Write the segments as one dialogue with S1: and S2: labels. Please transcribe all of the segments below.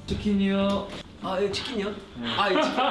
S1: 치킨이요.
S2: 아, 예, 치킨이요? 아, 예, 치킨.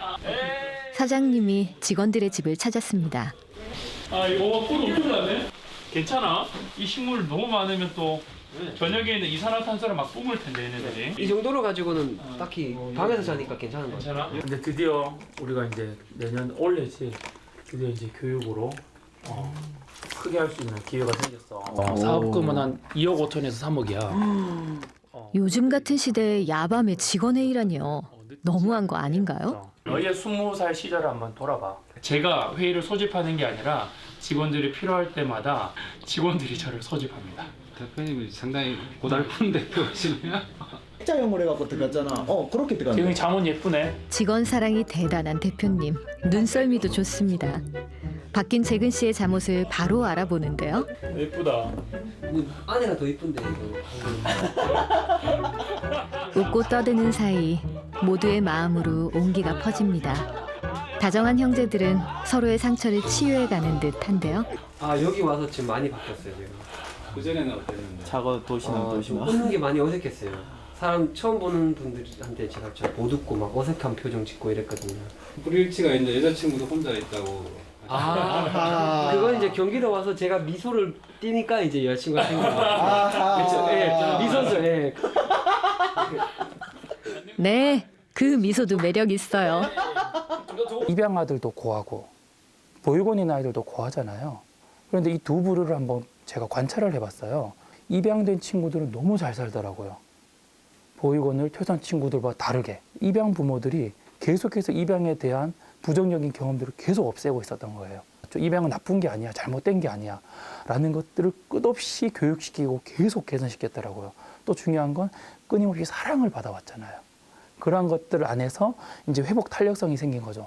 S3: 사장님이 직원들의 집을 찾았습니다.
S4: 아 이거 꿀 엄청 나네. 괜찮아? 이 식물 너무 많으면 또 저녁에는 이산화탄소를 막 뿜을 텐데 얘네들이.
S2: 이 정도로 가지고는 딱히 방에서 자니까 괜찮은 것 같아요.
S4: 괜찮아? 근데 드디어 우리가 이제 내년 올해지 드디어 이제 교육으로 크게 할 수 있는 기회가 생겼어. 사업금은 한 2억 5천에서 3억이야.
S3: 요즘 같은 시대에 야밤에 직원의 일하니요. 너무한 거 아닌가요?
S4: 너희의 20살 시절을 한번 돌아봐. 제가 회의를 소집하는 게 아니라 직원들이 필요할 때마다 직원들이 저를 소집합니다.
S1: 대표님이 상당히 고달픈 대표시네요.
S5: 액자형으로 해갖고 들어갔잖아. 그렇게 들어갔네.
S4: 지금 장원 예쁘네.
S3: 직원 사랑이 대단한 대표님. 눈썰미도 좋습니다. 바뀐 재근 씨의 잠옷을 바로 알아보는데요.
S4: 예쁘다.
S2: 아내가 더 이쁜데, 이거.
S3: 웃고 떠드는 사이 모두의 마음으로 온기가 퍼집니다. 다정한 형제들은 서로의 상처를 치유해가는 듯한데요.
S2: 아, 여기 와서 지금 많이 바뀌었어요, 지금.
S1: 그전에는 어땠는데?
S5: 작어 도시나
S2: 웃는 게 많이 어색했어요. 사람 처음 보는 분들한테 제가 못 웃고 막 어색한 표정 짓고 이랬거든요.
S1: 불일치가 있는데 여자친구도 혼자 있다고.
S2: 그건 이제 경기도 와서 제가 미소를 띠니까 이제 여자친구가 생긴 거예요. 그렇죠. 예, 미소죠. 예.
S3: 네, 그 미소도 매력 있어요.
S6: 입양 아들도 고하고 보육원 있는 아이들도 고하잖아요. 그런데 이 두 부류를 한번 제가 관찰을 해봤어요. 입양된 친구들은 너무 잘 살더라고요. 보육원을 퇴소한 친구들과 다르게 입양 부모들이 계속해서 입양에 대한 부정적인 경험들을 계속 없애고 있었던 거예요. 입양은 나쁜 게 아니야, 잘못된 게 아니야 라는 것들을 끝없이 교육시키고 계속 개선시켰더라고요. 또 중요한 건 끊임없이 사랑을 받아왔잖아요. 그러한 것들 안에서 이제 회복 탄력성이 생긴 거죠.